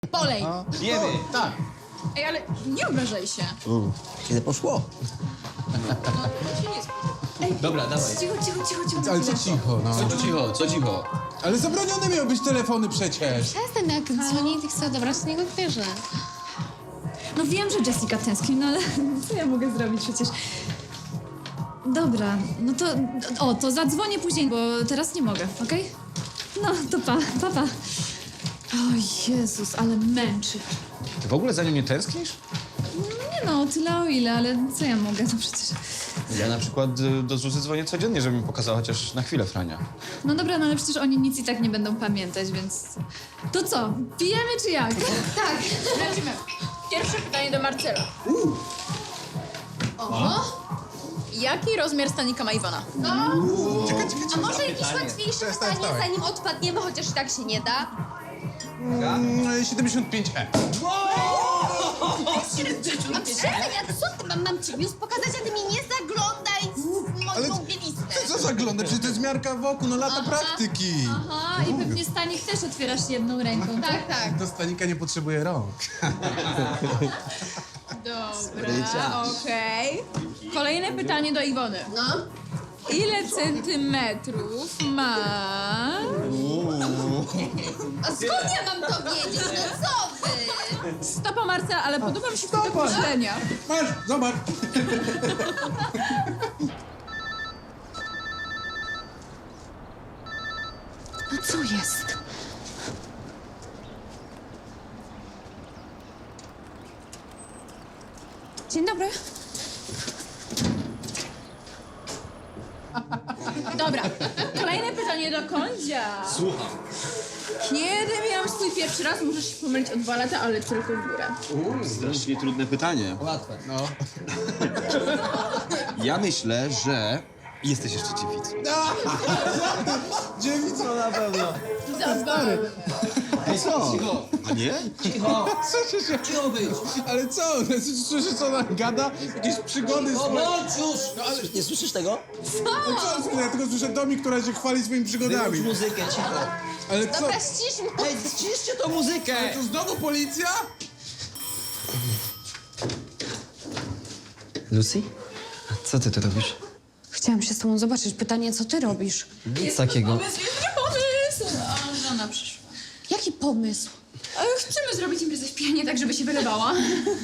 Polej! Jemy! Tak. Ej, ale nie obrażaj się. Kiedy poszło? Dobra, dawaj. Ale co cicho, no. Co cicho? Ale zabronione miały być telefony przecież. Przestań, jak dzwoni i chcę odebrać, to niego bierze. No wiem, że Jessica tęskni, no ale co ja mogę zrobić przecież? Dobra, no to... O, to zadzwonię później, bo teraz nie mogę, okej? No, to pa. O Jezus, ale męczy. Ty w ogóle za nią nie tęsknisz? Nie no, tyle o ile, ale co ja mogę, no przecież... Ja na przykład do Zuzy dzwonię codziennie, żeby mi pokazała chociaż na chwilę Frania. No dobra, no ale przecież oni nic i tak nie będą pamiętać, więc... To co, pijemy czy jak? Tak, lecimy. Pierwsze pytanie do Marcela. Jaki rozmiar stanika ma Iwona? A może jakieś łatwiejsze pytanie, wstawaj. zanim odpadniemy, chociaż i tak się nie da? 75E. A przestań, a co ty? Mam ci news pokazać, a ty mi nie zaglądaj w Ale moją bielistę. co zagląda? Przecież to jest miarka wokół, no lata praktyki. Aha, i pewnie stanik też otwierasz jedną ręką, tak? Tak. Do stanika nie potrzebuje rąk. Dobra, okej. Kolejne pytanie do Iwony. No. Ile centymetrów ma... A skąd ja mam to wiedzieć? No co wy? Stopa Marcela, ale podoba mi się to określenia. Masz, zobacz. No co jest? Dzień dobry. Dobra, kolejne pytanie do Kondzia. Słucham. Kiedy miałam swój pierwszy raz? Możesz się pomylić o 2 lata, ale tylko w górę. Strasznie trudne pytanie. Łatwe. No. Ja myślę, że jesteś jeszcze dziewicą. Dziewica. Na pewno. Ej, co? A nie? Słyszę się. Cicho być! Ale co? Słyszysz, co ona gada? Jakieś przygody swoje. Bądź już! No, ale... Nie słyszysz tego? No co słyszę? Ja tylko słyszę Domi, która się chwali swoimi przygodami. Wyłącz muzykę, cicho. Ale co? Dobra, ścisz mu. Ej, ściszcie tą muzykę! Ale to znowu policja? Lucy? A co ty tu robisz? Chciałam się z tobą zobaczyć. Pytanie, co ty robisz? Nic takiego. Pomysł, a żona przyszła. Jaki pomysł? Chcemy zrobić imprezę w pianie, tak żeby się wylewała.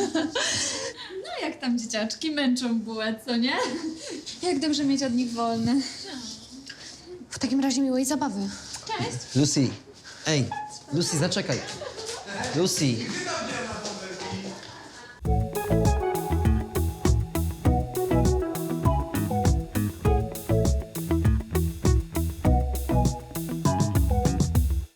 No jak tam dzieciaczki męczą bułę, co nie? Jak dobrze mieć od nich wolne. W takim razie miłej zabawy. Lucy! Ej, Lucy, zaczekaj. Lucy!